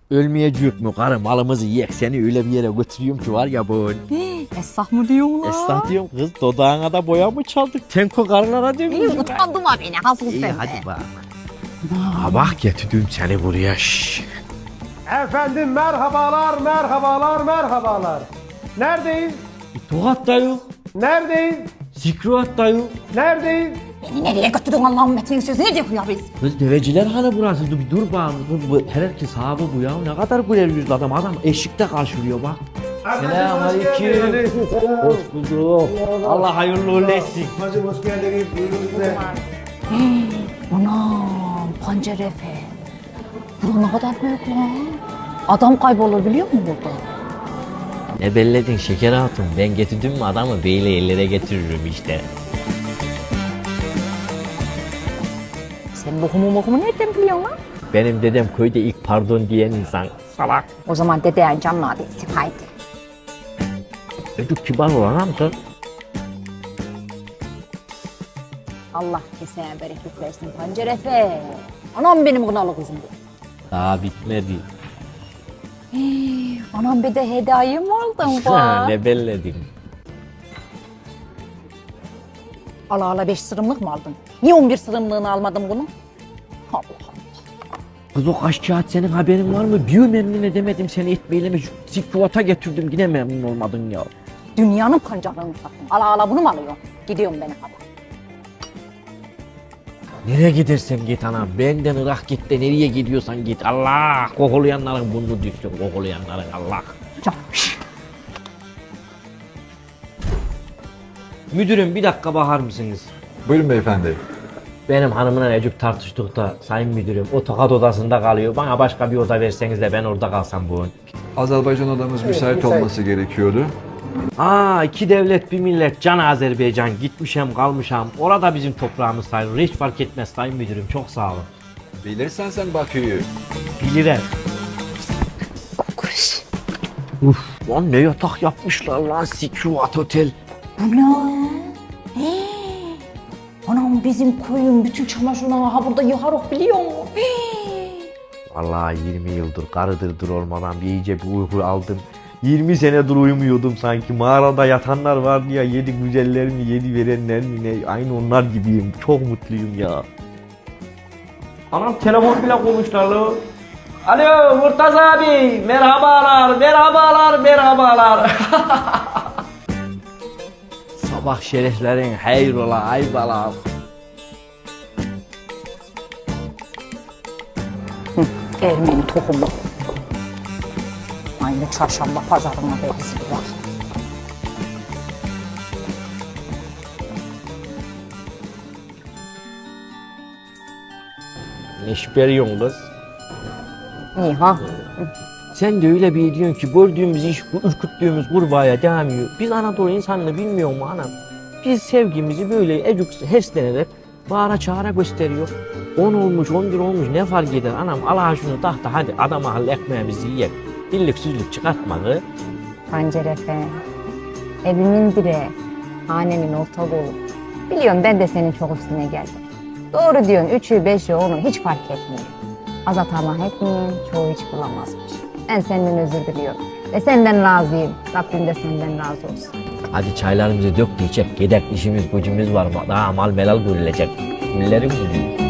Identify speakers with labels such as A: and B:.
A: Ölmeyecek mi karı, malımızı yiyek, seni öyle bir yere götürüyorum ki var ya bu.
B: Esnaf mı diyorsun lan?
A: Esnaf diyorum kız, dodağına da boya mı çaldık? Tenko karılara
B: İyi
A: dönüyoruz.
B: utandım ha beni. Hasıl
A: İyi
B: sen
A: hadi
B: de.
A: bak. Ha bak getirdim seni buraya. Şşş.
C: Efendim merhabalar, merhabalar, merhabalar. Neredeyiz?
A: Tokat da yok.
C: Neredeyiz?
A: Zikruat da yok.
C: Neredeyiz?
B: Beni nereye götürdün Allah'ın metnin sözü? Ne diyor ya biz?
A: Kız deveciler hanı burası, dur bak. Herkes sahibi bu ya. Ne kadar güler yüzlü adam. Adam eşikte karşılıyor bak. Selamünaleyküm. Hoş bulduk. Allah hayırlı uğurlu etsin.
C: Hacım hoş geldiniz. Buyurun size.
B: Anam pancar efe. Bura ne kadar büyük lan. Adam kaybolur biliyor musun burada?
A: Ne belledin şeker hatun? Ben getirdim mi adamı beyle ellere getiririm işte.
B: Sen bokumu nereden biliyorsun lan?
A: Benim dedem köyde ilk pardon diyen insan. Salak.
B: O zaman dedeyen canlı adetsin haydi.
A: Çocuk kibar olan amca.
B: Allah kesene bereket versin pancar efe. Anam benim kınalı kızım bu.
A: Daha bitmedi.
B: Anam bir de hediye mi aldın bak?
A: Ne belledin?
B: Ala ala 5 sırımlık mı aldın? Niye 11 sırımlığını almadın bunu? Allah Allah.
A: Kız o kaç kağıt senin haberin var mı? Bir memnun edemedim seni etmeyle. Zikruata getirdim yine memnun olmadın ya.
B: Dünyanın pancarlarını sattın. Ala ala bunu mu alıyorsun? Gidiyorum ben hadi.
A: Nereye gidersen git anam. Benden Irak git de nereye gidiyorsan git. Allah! Kokulayanların burnunu düşsün. Kokulayanların Allah.
B: Canım.
A: Müdürüm bir dakika bakar mısınız?
D: Buyurun beyefendi.
A: Benim hanımla Necip tartıştık da sayın müdürüm o tokat odasında kalıyor. Bana başka bir oda verseniz de ben orada kalsam bu.
D: Azerbaycan odamız müsait olması gerekiyordu.
A: Aa, iki devlet bir millet can Azerbaycan, gitmişem kalmışam. Orada bizim toprağımız sayılır. Hiç fark etmez sayın müdürüm, çok sağ olun.
D: Bilirsen sen Bakü'yü.
A: Bilirim. Uf, lan ne yatak yapmışlar lan, Sikruat Otel.
B: Bu ne? Anam bizim koyun bütün çamaşırlarını ha burada yıkarok biliyor musun?
A: Vallahi 20 yıldır karıdırdır olmadan bir iyice bir uyku aldım. 20 senedir uyumuyordum sanki. Mağarada yatanlar vardı ya, yedi güzeller mi, yedi verenler mi ne? Aynı onlar gibiyim. Çok mutluyum ya. Anam telefon bile koymuşlar lan. Alo Murtaza abi, merhabalar, merhabalar, merhabalar. Sabah şereflerin hayrola aybalar.
B: Ermeni tohumu. Aynı çarşamba pazarına benziyor.
A: Ne şüpheliyorsun kız?
B: İyi ha?
A: Sen de öyle bir diyorsun ki gördüğümüz iş, ürküttüğümüz kurbağaya devam ediyor. Biz Anadolu insanını bilmiyor mu anam? Biz sevgimizi böyle ecuk heslenerek bağıra çağıra gösteriyor. 10 olmuş, 11 olmuş ne fark eder anam? Allah şunu tahta hadi adam akıllı ekmeğimizi yiyek. Dillik süzlük çıkartmadı.
B: Pancar efe. Evimin direği. Hanemin orta kolu. Biliyorum ben de senin çok üstüne geldim. Doğru diyorsun 3'ü 5'i 10'u hiç fark etmiyor. Az tamah etmeyin, çoğu hiç bulamazmış. Ben senden özür diliyorum. Ve senden razıyım. Rabbim de senden razı olsun.
A: Hadi çaylarımızı dök de içek. Gedek işimiz gücümüz var. Daha mal melal görülecek. Güllerim gülüyor.